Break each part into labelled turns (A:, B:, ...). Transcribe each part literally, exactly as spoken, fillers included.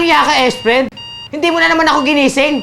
A: iya ka, S-friend? Hindi mo na naman ako ginising.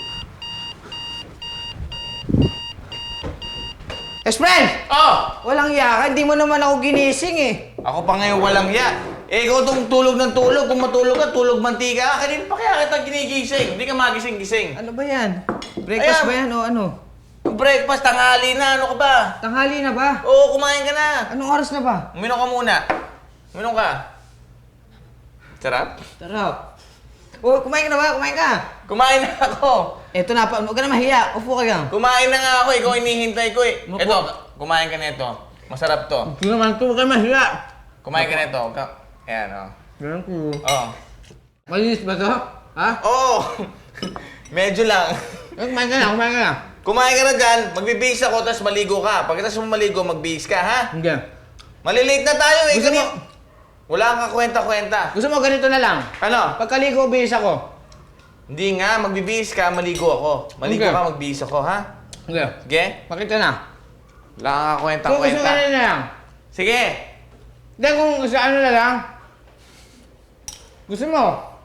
A: S-friend!
B: Oh!
A: Walang iya ka, hindi mo naman ako ginising eh.
B: Ako pa ngayon walang ya. Eh, ikaw itong tulog ng tulog. Kung matulog ka, tulog mantika ka. Kanina pa kaya kita ginigising. Hindi ka magising-gising.
A: Ano ba yan? Breakfast
B: Ayan.
A: ba yan o ano?
B: Breakfast, tanghali na. Ano ka ba?
A: Tanghali na ba?
B: Oo, kumain ka na.
A: Anong oras na ba?
B: Uminom ka muna. Uminom ka. Sarap?
A: Sarap. Oh, kumain ka na ba? Kumain ka.
B: Kumain na ako.
A: Eto na, pa, huwag ka na mahiya. Upo ka lang.
B: Kumain na nga ako. Ikaw inihintay ko eh.
A: Naku.
B: Ito, kumain ka na ito. Masarap to.
A: Hindi naman ito, huwag ka mahiya.
B: Kumain ka na ito. Ka- Ayan, oh.
A: Ganun ko.
B: Oo.
A: Malinis ba ito? Ha?
B: Oo! Medyo lang.
A: Eh, kumain ka na, kumain ka na.
B: Kumain ka na dyan, magbibihis ako, tapos maligo ka. Pagkatapos mo maligo, magbihis ka, ha?
A: Hindi.
B: Malilate na tayo eh.
A: Gusto
B: Kani-
A: mo-
B: Wala kang kwenta-kwenta.
A: Gusto mo ganito na lang?
B: Ano?
A: Pagkaligo, bihis ako.
B: Hindi nga, magbibihis ka, maligo ako. Maligo
A: Okay.
B: ka, magbihis ako, ha?
A: Hindi.
B: Sige?
A: Pakita na.
B: Wala kang
A: Kung gusto
B: kwenta-kwenta.
A: mo na lang.
B: Sige!
A: Hindi, kung gusto ano na lang. Gusto mo?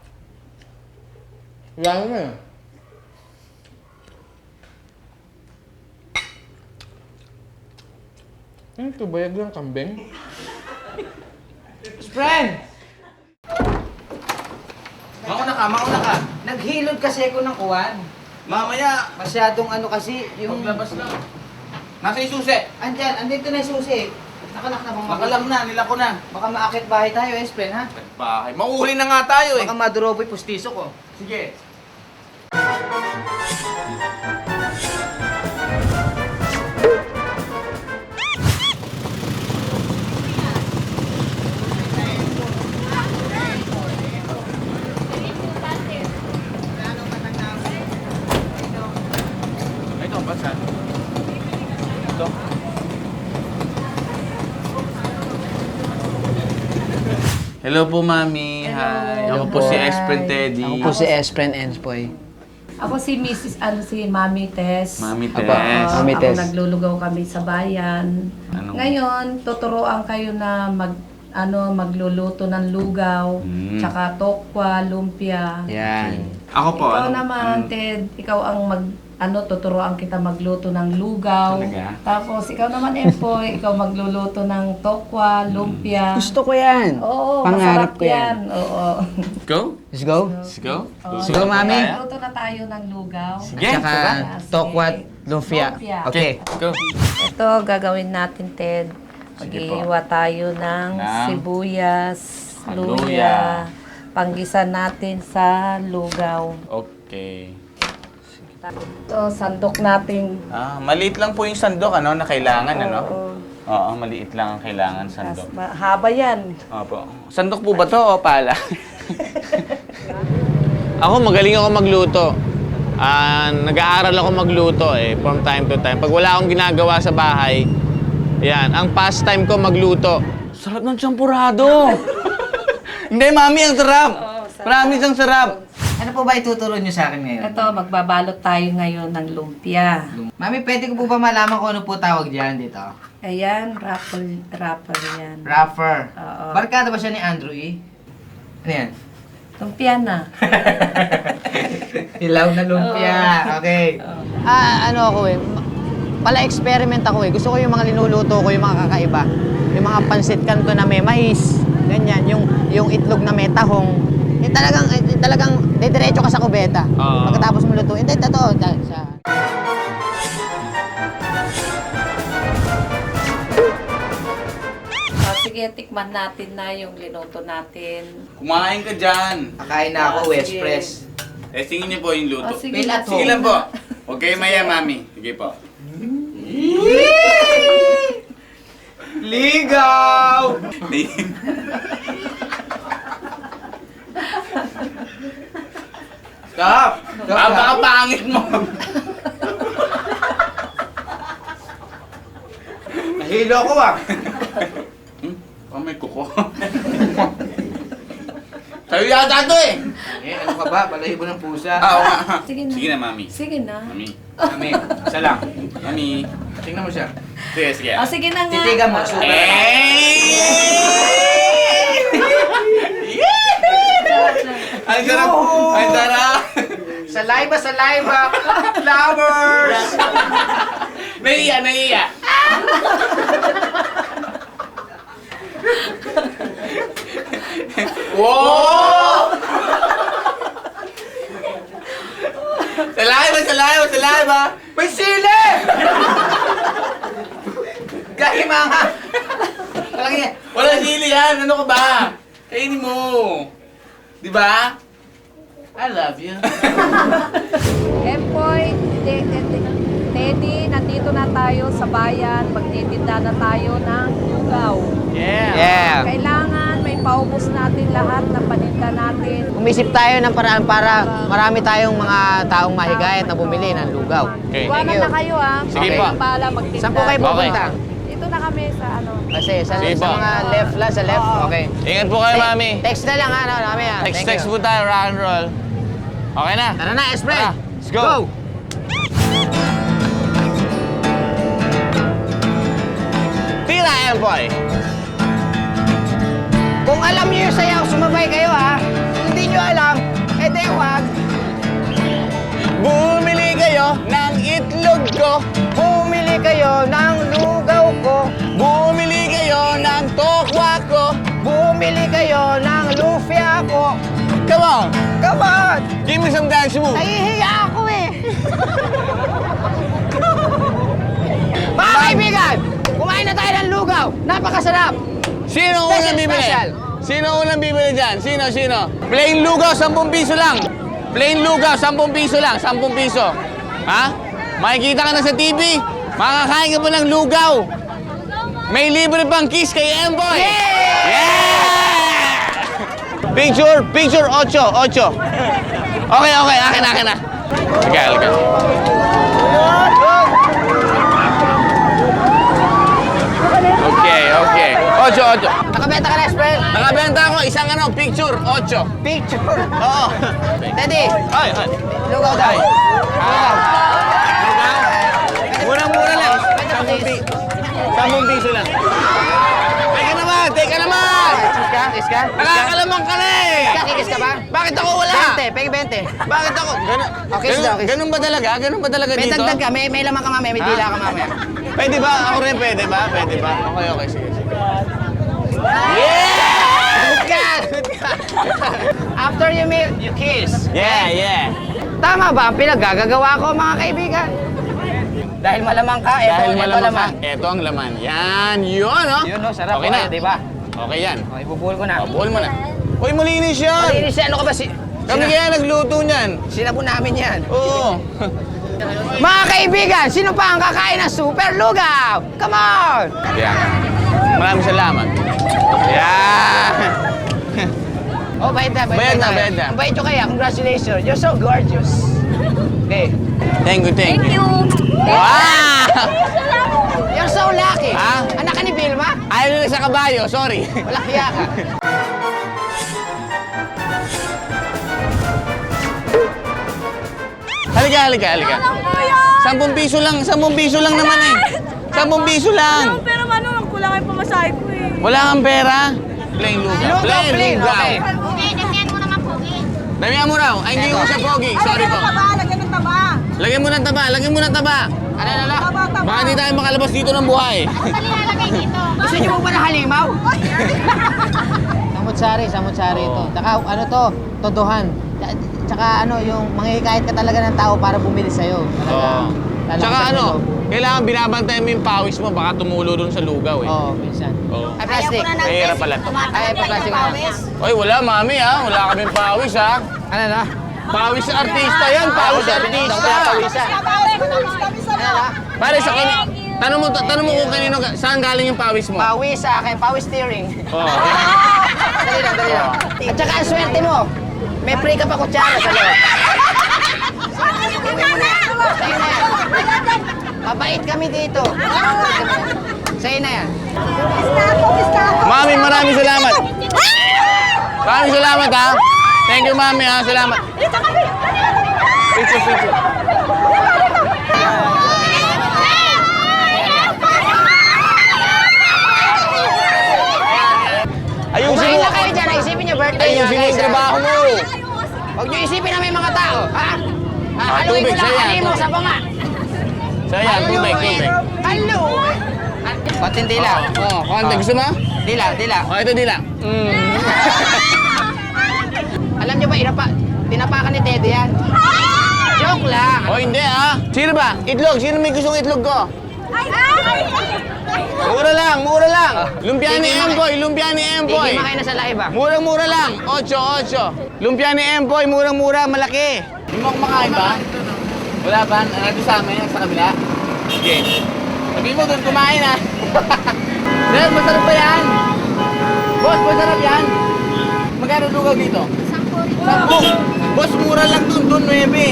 A: Wala mo eh. Ano ito? Bayag lang kambing? Friend!
B: Mauna ka, mauna ka.
A: Naghilod kasi ako ng kuwan.
B: Mamaya,
A: Masyadong ano kasi yung...
B: maglabas lang. Nasa yung susi.
A: Andyan, andito na yung susi. Nakanak na bang
B: Makalam na, nila ko na.
A: Baka maakit bahay tayo, eh, friend, ha?
B: Bahay. Mauhuli na nga tayo eh.
A: Baka maduroboy pustiso ko.
B: Sige. Ito, basa. Ito. Hello po, Mami. Hi. Ako po si X-Friend Teddy.
A: Ako po si S-friend Enspoy.
C: Ako si Missus ano si Mami Tess.
B: Mami
A: Aba,
B: Tess.
A: Mami
C: ako
A: Tess.
C: naglulugaw kami sa bayan.
B: Anong-
C: Ngayon, tuturuan kayo na mag ano magluluto ng lugaw,
B: Mm.
C: tsaka tokwa, lumpia.
A: Yan.
B: Ako po.
C: Ikaw
B: ano-
C: naman,
B: ano-
C: Ted, ikaw ang mag ano tuturuan kita magluto ng lugaw.
B: Talaga?
C: Tapos ikaw naman, Empoy, ikaw magluluto ng tokwa, lumpia.
A: Gusto ko yan.
C: Oo,
A: Pangarap
C: masarap
A: ko yan.
C: Oo.
B: Go?
A: Let's go.
B: Let's go.
C: Oo,
A: Sige, Mami.
C: Magluto na tayo ng lugaw.
B: Sige.
A: At saka
C: Sige.
A: tokwat, lumpia.
C: Lumpia.
A: Okay.
B: Go.
C: Ito, gagawin natin, Ted.
B: Sige po.
C: Mag-iiwa tayo ng
B: Ng
C: sibuyas,
B: luya.
C: luya. Panggisan natin sa lugaw.
B: Okay.
C: Ito, sandok natin.
B: Ah, maliit lang po yung sandok, ano, na kailangan, ano?
C: Oo.
B: Oo, maliit lang ang kailangan
C: Tas,
B: sandok.
C: ma- haba yan.
B: Opo. Sandok po ba to o pala? Ako, magaling ako magluto. Ah, nag-aaral ako magluto eh, from time to time. Pag wala akong ginagawa sa bahay, yan, ang pastime ko magluto. Sarap ng champurado! Hindi, Mami, ang sarap!
C: Oo, sarap.
B: Promise, ang sarap!
A: Ano po ba ituturo niyo sa akin ngayon?
C: Ito, magbabalot tayo ngayon ng lumpia.
A: Mami, pwede ko po ba malaman kung ano po tawag diyan dito?
C: Ayan, raffle, raffle yan.
A: Rapper.
C: Oo.
A: Barkada ba siya ni Andrew E? Ano yan?
C: Lumpia na.
A: Hilaw na lumpia. Okay. Ah, ano ako eh. ma- Pala experiment ako eh. Gusto ko yung mga linuluto ko, yung mga kakaiba. Yung mga pansit canton na may mais. Ganyan. Yung, yung itlog na may tahong. Yung talagang, yung talagang didiretso ka sa kubeta.
B: Oo.
A: Pagkatapos mo lutuin. Hindi, totoo. Da- Sa...
C: So, sige, tikman natin na yung linuto natin.
B: Kumain ka dyan.
A: Kakain na ako,
C: Ah,
A: West
C: sige.
A: Press.
B: Eh, tingin niyo po yung luto.
C: Oh, sige
A: Feel
C: na,
A: at
B: Sige
A: home.
B: lang po. Huwag kayo maya, Mami. Sige po.
A: Ligaw!
B: Stop! Napakapangit mo!
A: Nahilo ako ah.
B: Hmm? Oh, may kuko. Sa'yo yata ito eh!
A: Eh, ano ka ba? Balahibo ng pusa.
B: Ah, oo nga.
C: Sige na.
B: Sige na, Mami.
C: Sige na.
B: Mami.
A: Mami, isa lang.
B: Mami.
A: Tingnan mo siya.
B: Sige, sige.
C: Oh, sige na nga.
A: Titigan mo, super.
B: Eh! Ang sarap! Ang sarap!
A: Saliva, saliva! Flowers!
B: Naiiya, naiiya! Wow! Saliva, saliva, saliva!
A: May sili! Gagi mga! Walang yan.
B: Wala sili yan! Ano ka ba? Kainin mo! Di ba? I love you.
C: Empoy, Te- Te- Te- Teddy, nandito na tayo sa bayan. Magtitinda na tayo ng lugaw.
B: Yeah!
A: Yeah.
C: Kailangan may paubos natin lahat ng paninda natin.
A: Umisip tayo ng paraan para marami tayong mga taong mahigayat na bumili ng lugaw.
B: Okay.
C: Iwanan
A: Thank you.
C: na kayo ah.
B: Sige
C: Kayo
B: po.
C: ang bahala magtinda.
A: Saan po kayo pupunta?
C: Dito na kami sa ano.
A: Kasi sa,
B: Sige
A: sa
B: po.
A: mga left lang, sa left. Okay.
B: Ingat po kayo,
A: Te-
B: mami.
A: Text na lang ha, ano, mami ha.
B: Text,
A: Thank
B: text
A: you.
B: po tayo, rock and roll. Okay na?
A: Tara na, Espre.
B: Tara, let's go. Tira, Empoy!
A: Kung alam niyo yung sayaw, sumabay kayo ha. Kung hindi niyo alam, edi wag.
B: Bumili kayo ng itlog ko.
A: Bumili kayo ng lugaw ko.
B: Bumili kayo ng tokwa ko.
A: Bumili kayo ng lufia ko.
B: Come on!
A: Come on!
B: Give me some dance move.
A: Nahihiya ako eh. Mga kaibigan, kumain na tayo ng lugaw. Napakasarap.
B: Sino
A: Special,
B: unang bibili?
A: special.
B: Sino unang bibili dyan? Sino, sino? Plain lugaw, sampung piso lang. Plain lugaw, sampung piso lang. Sampung piso. Ha? Makikita ka na sa T V. Makakain ka pa ng lugaw. May libre pang kiss kay Emboy.
A: Yeah!
B: Yeah! Picture, picture, ocho, ocho. Okay, okay, akin, akin na. Sige, halika. Okay, okay. Ocho, ocho.
A: Nakabenta ka na, Espre.
B: Nakabenta ako isang ano, picture, ocho.
A: Picture.
B: Oo.
A: Teddy,
B: Ay, ay.
A: lugaw daw.
B: Ay.
A: Lugaw.
B: Murang-mura lang. Sampung pi- sampung piso lang. Teka naman, teka naman!
A: Kiss ka? Kiss ka?
B: Nakakalamang ka na eh!
A: Kiss ka? Kikis ka ba?
B: Bakit ako wala?
A: Bente, pegi bente.
B: Bakit ako? Ganun,
A: Okay,
B: ganun,
A: daw, kiss.
B: ganun ba talaga? Ganun ba talaga
A: May
B: dito?
A: dagdag ka, may, may lamang ka mamaya, may dila ka mamaya.
B: Pwede ba? Ako rin pwede ba? Pwede ba? Okay, okay, sige, sige. Yeah!
A: Good ka! Good ka! After you meet, you kiss.
B: Yeah, yeah.
A: Tama ba ang pinaggagawa ko, mga kaibigan? Dahil malamang ka, eto,
B: Dahil
A: eto
B: malamang
A: laman.
B: ka, eto ang laman. Yan, yun, no?
A: Yun, no? Sarap
B: Okay
A: po
B: na.
A: kayo, di ba?
B: Okay yan.
A: Okay, bubuhol ko na.
B: Oh, buhol mo na. Uy, malinis yan!
A: Malinis yan, ano ka ba? Si,
B: Kami
A: sina,
B: kaya nagluto niyan.
A: sinabon namin yan.
B: Oo.
A: Mga kaibigan, sino pa ang kakain ng super lugaw? Come on!
B: Yan. Maraming salamat. Yan.
A: Oh, bayad na,
B: Bayad na,
A: tayo.
B: bayad na.
A: Ang bayad nyo kaya, congratulations. You're so gorgeous. Okay.
B: Thank you, thank you.
C: you.
B: Wow!
A: You're so lucky.
B: Ha?
A: Anak ka ni Vilma?
B: Ayaw nila sa kabayo, sorry.
A: Wala kaya ka.
B: Halika, halika, halika. Sampung piso lang, sampung piso lang naman eh. Sampung piso lang.
D: Pero ano, kulang ay pamasahe ko eh.
B: Wala kang pera. Plain lugaw.
A: Lugaw, plain, okay.
D: Okay, damihan mo naman pogi.
B: Damihan mo raw. Ay, hindi ko siya pogi. Sorry po.
D: Taba, lagyan ng taba.
B: Lagyan mo ng taba, lagyan mo ng taba.
A: Ano, ano, ano?
D: Taba, taba.
B: Baka hindi tayo makalabas dito ng buhay.
D: Dali lalagay dito.
A: Gusto nyo po ba na halimaw? Samut-sari, samut-sari ito.
B: Oo.
A: Tsaka ano to, todohan. Tsaka ano, yung manghihikayat ka talaga ng tao para bumili sa'yo. Talaga.
B: Oo.
A: Lalakas
B: Tsaka
A: ang
B: ano,
A: loob.
B: kailangan binabantayan mo yung pawis mo, baka tumulo dun sa lugaw eh.
A: Oo, minsan.
B: Oo.
A: Ay, plastic.
B: Mahirap pala to.
A: Ay, plastic na.
B: Oy, wala mami ha. Wala kaming pawis ha.
A: Ano na?
B: Pawis sa artista yan, pawis sa artista.
A: Pawisan. Ano na?
B: Pare sa kani, tanong mo tanong mo kung kanino ga- saan galing yung pawis mo?
A: Pawis sa akin, pawis steering.
B: Oo.
A: Dali lang, dali lang. At saka ang swerte mo, may free ka pa kutsara sa loob. Sa'yo na yan. Mabait kami dito. Sa'yo na yan.
B: Mami, maraming salamat. Maraming salamat ha. Thank you mami ha. Salamat. Picture, picture. Ayusin
A: Kumain
B: mo.
A: na kayo dyan. Isipin niyo birthday niyo,
B: Ayusin mo
A: guys.
B: yung
A: ha?
B: trabaho mo.
A: isipin na may mga tao, ha? Ah,
B: Ah,
A: haluin
B: tubig,
A: ko lang,
B: saya.
A: halimo sa banga.
B: So yan, tubig, tubig.
A: Halo! Konting dila.
B: Oh, konti. Gusto mo?
A: Dila, dila.
B: Oh, ito dila.
A: Alam niyo ba, inapa, tinapakan ni Teddy yan? Joke lang.
B: Oh, hindi ah. Sino ba? Itlog. Sino may gustong itlog ko? Mura lang, mura lang. Lumpia ni
A: Hindi,
B: Emboy, lumpia ni Emboy.
A: Tigil kayo na sa live, ah.
B: Murang-mura lang. Ocho, ocho. Lumpia ni Emboy, murang-mura, malaki. Hindi mo kumakain ba? Wala ba? Nandito sa amin, sa kabila? Sige. Sabihin mo doon, kumain ah. Dahil masarap ba yan? Boss, masarap yan. Magkano lugaw dito? Sampo. Boss, mura lang doon, doon, nuebe.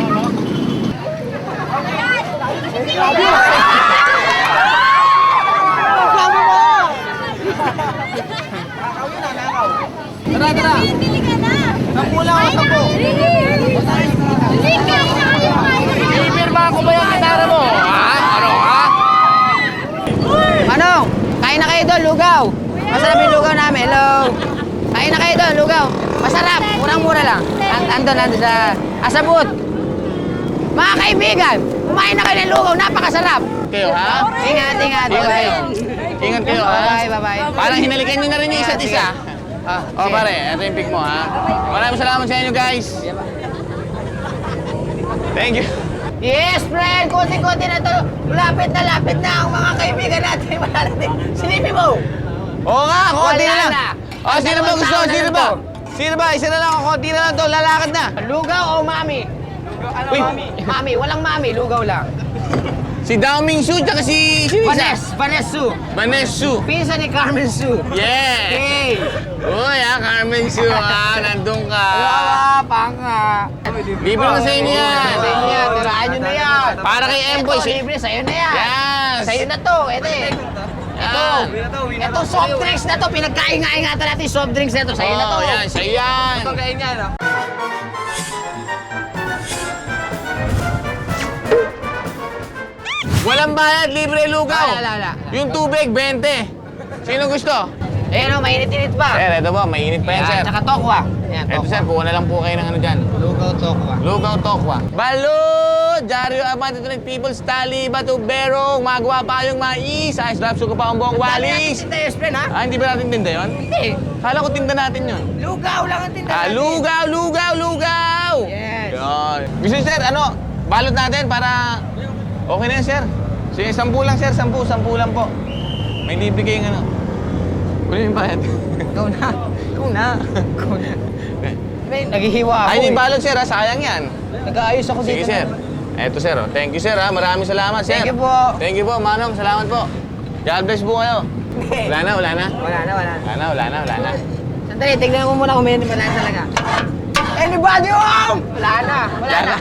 B: Tara, tara.
D: Bili ka na.
B: Sampu lang ako, sampu.
D: Bili ka na.
B: Ibirma ko ba yung gitara mo? Ha? Ano, ha?
A: Manong, kain na kayo doon, lugaw. Masarap yung lugaw namin. Hello. Kain na kayo doon, lugaw. Masarap, murang-mura lang. And, andun, andun sa Asabut. Mga kaibigan, kumain na kayo ng lugaw, napakasarap.
B: Kayo, ha?
A: Ingat, ingat.
B: Ingat
A: Bye-bye.
B: kayo. Ingat kayo, ha?
A: Bye-bye, bye-bye.
B: Parang hinalikan nyo na rin yung isa't
A: Sige.
B: isa.
A: Ah,
B: O,
A: sige.
B: pare, ito yung pick mo, ha? Maraming salamat sa inyo, guys. Thank you.
A: Yes, friend! Kunti-kunti na to. Lapit na lapit na ang mga kaibigan natin. Malalating. Silipin mo!
B: Oo nga, konti
A: Wala
B: na lang.
A: na.
B: O, sino ba
A: Dalawang
B: gusto?
A: tao na
B: Sino
A: lang
B: ba?
A: to.
B: Sino ba? Isa na lang ako, konti na lang to. Lalakad na.
A: Lugaw o mami?
B: Ano, Uy. mami?
A: Mami, walang mami. Lugaw lang.
B: Si Dao Ming Su, tsaka si... Sino isa?
A: Vanes, Vanes Su.
B: Vanes Su.
A: Pinsa ni Carmen Su.
B: Yeah!
A: Hey!
B: Uy, ha, Carmen Su, ha? Nandun ka.
A: Wala, panga.
B: Libre na sa inyo yan.
A: Sa inyo yan. Tiraan nyo na yan.
B: Para kay Emboy.
A: Ito, libre. Sa'yo na yan.
B: Yes!
A: Sa'yo na to. Ito eh. Ito.
B: Yan.
A: Ito, soft drinks na to. Pinagkain-ingatan natin yung soft drinks na to. Sa'yo na to.
B: Oh, yan, sa'yo yan.
A: kain niya, no?
B: Walang bayad, libre lugaw.
A: Wala, wala, wala.
B: Yung tubig, twenty. Sino gusto?
A: Eh, no, mainit-init pa.
B: Sir, ito po, mainit pa yan, sir.
A: Yan, tsaka tokwa. Yan,
B: Ito,
A: tokwa.
B: sir, kuha na lang po kayo ng ano dyan.
A: Lugaw tokwa.
B: Lugaw Tokwa. Balo! Diaryo Amante to People's Tali, Bato Berong, magawa pa yung mais, ayos drop suko pa ang buong walis.
A: Tinda yung friend, ha?
B: Ah, hindi ba natin tinda yun?
A: Hindi.
B: Kala ko tinda natin yun.
A: Lugaw lang ang tinda
B: Ah,
A: natin.
B: lugaw, lugaw, lugaw!
A: Yes.
B: Yun. Gusto niyo, sir, ano, balot natin para okay na yan, sir. Sige, sampu lang, sir, sampu, sampu lang po. May libre kayong ano. Kunin yung bayad.
A: Ikaw na. Ikaw na. Ikaw na. May, naghihiwa ako
B: Ay, hindi
A: eh.
B: balot, sir, ha? Sayang yan.
A: Nag-aayos ako
B: Sige,
A: dito.
B: sir. Eto, sir. Oh. Thank you, sir. Ha? Maraming salamat, sir.
A: Thank you po.
B: Thank you po, Manong. Salamat po. God bless po kayo. Wala na, wala na.
A: Wala na, wala na.
B: Wala na, wala na, wala na.
A: Sandali, tignan ko muna kung may wala na talaga. Anybody home? Wala na. Wala na.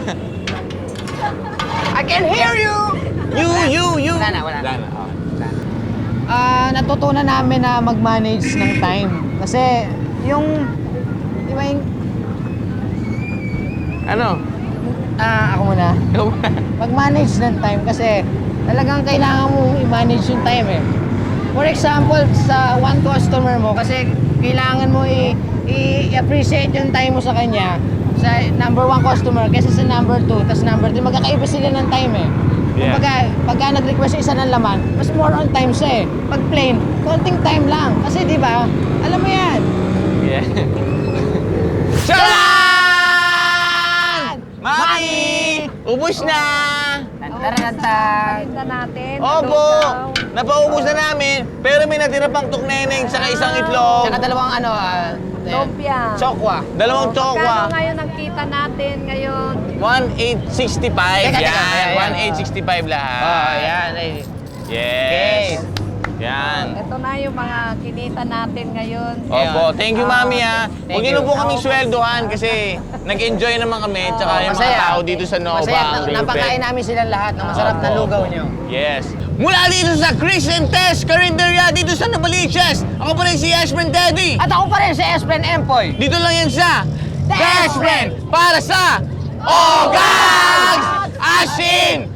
A: I can hear you!
B: You, you, you.
A: Wala na, wala na.
B: Wala na. Oh.
A: Ah, natutunan namin na mag-manage ng time. Kasi yung, di ba yung,
B: Ano?
A: ah, ako muna.
B: Ikaw ba?
A: Mag-manage ng time kasi talagang kailangan mo i-manage yung time eh. For example, sa one customer mo, kasi kailangan mo i- i-appreciate yung time mo sa kanya sa number one customer kasi sa number two, tas number three, magkakaiba sila ng time eh.
B: Yeah.
A: Pagka, pagka nag-request yung isa ng laman, mas more on time siya eh. Pag plain, konting time lang. Kasi di ba, alam mo yan.
B: Yeah. Charan! Mami! Ubus na!
A: Tantaratan.
C: Tinda natin.
B: Opo!
C: lugaw.
B: Napaubos na namin, pero may natira pang tukneneng saka isang itlog.
A: Tsaka dalawang ano, ah,
C: Lumpia.
A: chokwa.
B: Dalawang
C: Magkano
B: chokwa.
C: ngayon ang kita natin ngayon?
B: one eight sixty-five.
A: Teka, teka.
B: Yan,
A: Ayan, ayan.
B: one eight sixty-five lahat.
A: Oh, yan. Ay.
B: Yes. Yan.
C: Ito na yung mga kinita natin ngayon.
B: Opo, thank you,
C: Ah,
B: mami, ha.
A: thank
B: Huwag niyo na
A: you.
B: po kaming sweldohan kasi nag-enjoy naman kami, tsaka yung mga tao dito sa Nova.
A: Masaya.
B: ang
A: Na- Napakain
B: lupit.
A: namin silang lahat ng masarap na
B: Opo.
A: lugaw nyo.
B: Yes. Mula dito sa Chris and Tess Carinderia dito sa Novaliches. Ako pa rin si Ashman Teddy.
A: At ako pa rin si Espren Empoy.
B: Dito lang yan sa
A: Tess
B: Tess Friend para sa Ogags Asin